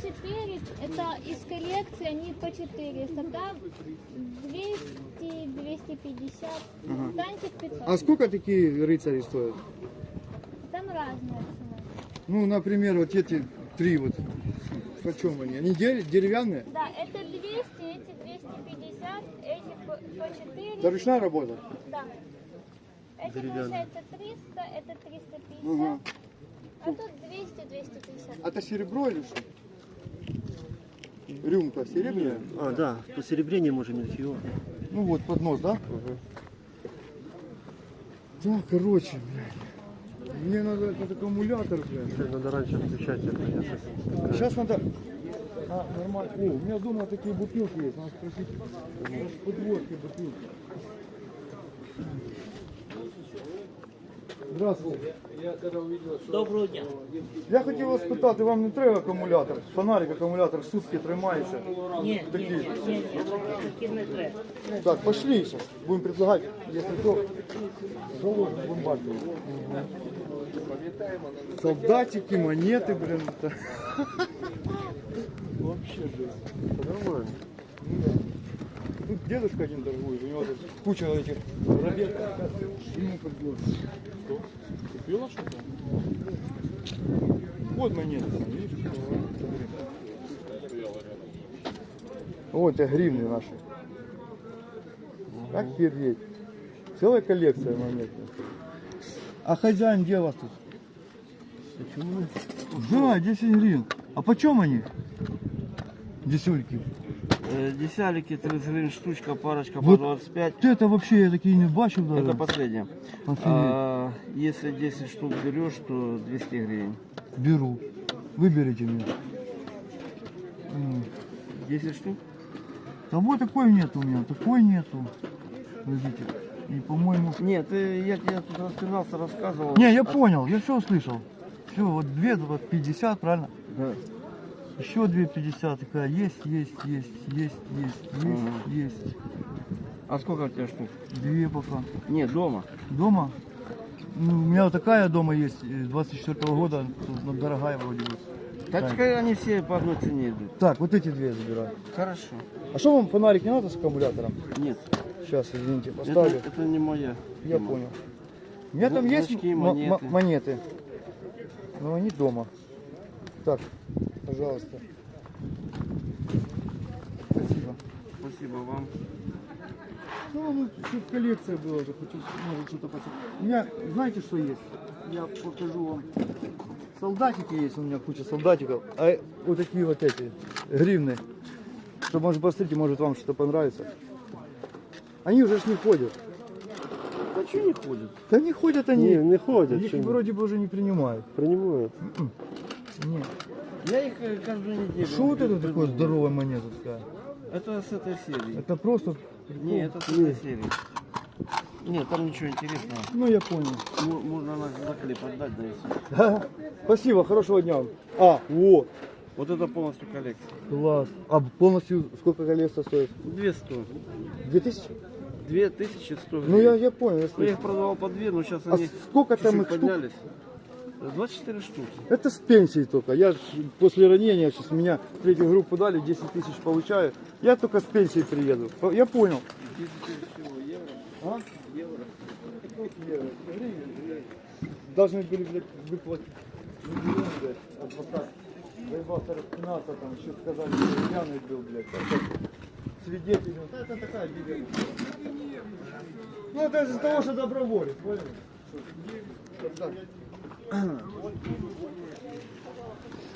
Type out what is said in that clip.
4, это из коллекции, они по 400, там 200, 250, танчик 500. А сколько такие рыцари стоят? Там разная цена. Ну, например, вот эти 3 вот. Почем они? Они деревянные? Да, это 200, эти 250, эти по 400. Это ручная работа? Да. Это получается 300, это 350, Ага. а тут 200, 250. А это серебро или что? Рюмка серебряная? А, да, посеребрение можем ничего. Ну вот, поднос, да? Да, короче, блядь. Мне надо этот аккумулятор, блядь. Надо раньше включать это. Сейчас надо... А, нормально. О, у меня дома такие бутылки есть. Надо спросить. Подводки бутылки. Здравствуйте. Доброго дня. Я хотів вас спитати, вам не треба акумулятор? Фонарик, акумулятор сутки тримається. Ні, такі не треба. Так, пошли сейчас. Будем предлагать, если то, заложим бомбарду. Солдатики, монеты, блин. Это... Вообще жесть. Нормально. Тут дедушка один торгует, у него тут куча этих рабет. Ему подбор. Что? Купила что-то? Вот монеты, видишь? Вот это гривны наши. Как переть. Целая коллекция монет. А хозяин где у вас тут? Почему? Да, 10 гривен. А почем они? Десюльки. Десялики 30 гривен штучка, парочка Вот по 25. это вообще я такие не бачу даже. Это последнее. Офигеть. Если 10 штук берешь, то 200 гривен. Беру. Выберите мне. 10 штук? Того такой нет у меня, такой нету. Видите? И по-моему... Нет, я тебе тут распинался, рассказывал. Не, я понял, я все услышал. Все, вот 2, вот 50, правильно? Да. Еще 2,50 такая, есть. А сколько у тебя штук? 2 пока. Нет, дома. Дома? Ну, у меня вот такая дома есть, 24-го года, тут дорогая вроде бы. Так они все по одной цене идут. Так, вот эти 2 забираю. Хорошо. А что вам фонарик не надо с аккумулятором? Нет, Сейчас, извините, поставлю. это не моя. Я понял. У меня там есть Значки, монеты. монеты, но они дома. Так, пожалуйста. Спасибо. Спасибо вам. Ну, тут коллекция была уже, хочу, может, что-то посмотреть. У меня, знаете, что есть? Я покажу вам. Солдатики есть, у меня куча солдатиков. А вот такие вот эти, гривны. Что, может, посмотрите, может, вам что-то понравится. Они уже ж не ходят. А что не ходят? Да не ходят они. Не ходят. Их Что вроде бы уже не принимают. принимают? Нет. Я их каждую неделю. Что вот это такое здоровая монета такая? Это с этой серии. Это просто... Не, это с этой серии. Нет, там ничего интересного. Ну, я понял. Можно на заклеп отдать, да и все. Да. Спасибо, хорошего дня вам. А, вот. Вот это полностью коллекция. Класс. А полностью сколько коллекция стоит? 200. 2000? 2100 Ну, гривен. я понял. Я Я слышу. их продавал по 2, но сейчас А они сколько там чуть-чуть их штук? поднялись. 24 штуки. Это с пенсии только. Я ж после ранения, сейчас меня в третью группу дали, 10 тысяч получаю. Я только с пенсии приеду. Я понял. 10 тысяч евро. А? Евро. Евро. Должны были, блядь, выплатить миллион, блядь, адвокат. Заебался распинаться, там еще сказали, что пьяный был, блядь. Свидетель. Вот это такая беда. Ну это из-за того, что доброволец, понял?